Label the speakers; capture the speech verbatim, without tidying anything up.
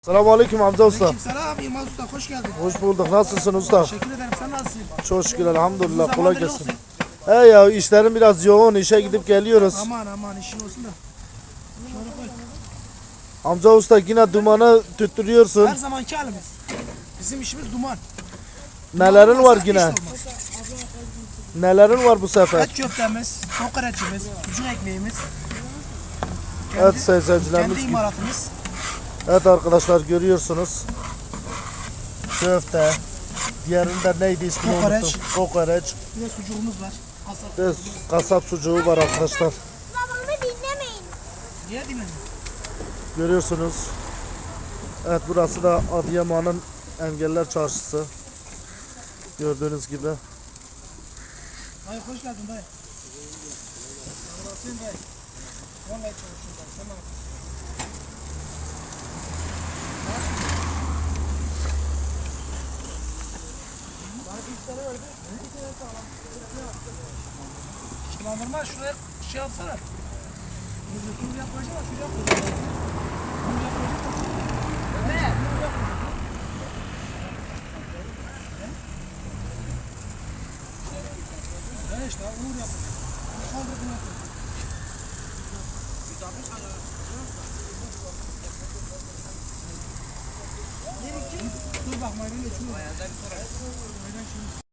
Speaker 1: Selamünaleyküm Hamza Usta.
Speaker 2: Selam İmaz Usta, hoş geldin.
Speaker 1: Hoş bulduk. Nasılsın usta?
Speaker 2: Teşekkür ederim, sen nasılsın?
Speaker 1: Çok şükür elhamdülillah.
Speaker 2: Uzun
Speaker 1: Kolay
Speaker 2: zamandır
Speaker 1: gelsin.
Speaker 2: yoksun.
Speaker 1: He ya işlerim biraz yoğun. İşe gidip geliyoruz.
Speaker 2: Aman aman işin olsun da. Şöyle koy.
Speaker 1: Hamza Usta yine dumanı tüttürüyorsun.
Speaker 2: Her zamanki halimiz. Bizim işimiz duman.
Speaker 1: Nelerin
Speaker 2: Duman
Speaker 1: var
Speaker 2: olmasa
Speaker 1: yine?
Speaker 2: iş olmaz.
Speaker 1: Nelerin var bu sefer?
Speaker 2: Et köftemiz, kokoreçimiz, sucuk ekmeğimiz.
Speaker 1: Evet
Speaker 2: Kendi
Speaker 1: seyircilerimiz.
Speaker 2: imalatımız.
Speaker 1: Evet arkadaşlar görüyorsunuz. Köfte. Diğerinde neydi ismini
Speaker 2: Kokoreç.
Speaker 1: unuttum. Kokoreç.
Speaker 2: Bir de sucuğumuz var. Kasap.
Speaker 1: Bir de kasap sucuğu var arkadaşlar.
Speaker 3: Babamı dinlemeyin.
Speaker 2: Niye dinledin?
Speaker 1: Görüyorsunuz. Evet burası da Adıyaman'ın Engeller Çarşısı. Gördüğünüz gibi.
Speaker 2: Dayı hoş geldin dayı. Nasılsın dayı? Vallahi çalışıyorum dayı. Sen ne yapıyorsun? Sulandırma şuraya şey yapsana. Bunu yapacağım, şuraya koyacağım. Bunu yapacağım. Evet. Ne işte, uğur yapacağım. Kaldır bunu yapacağım. Dur bak maydan geçiyor.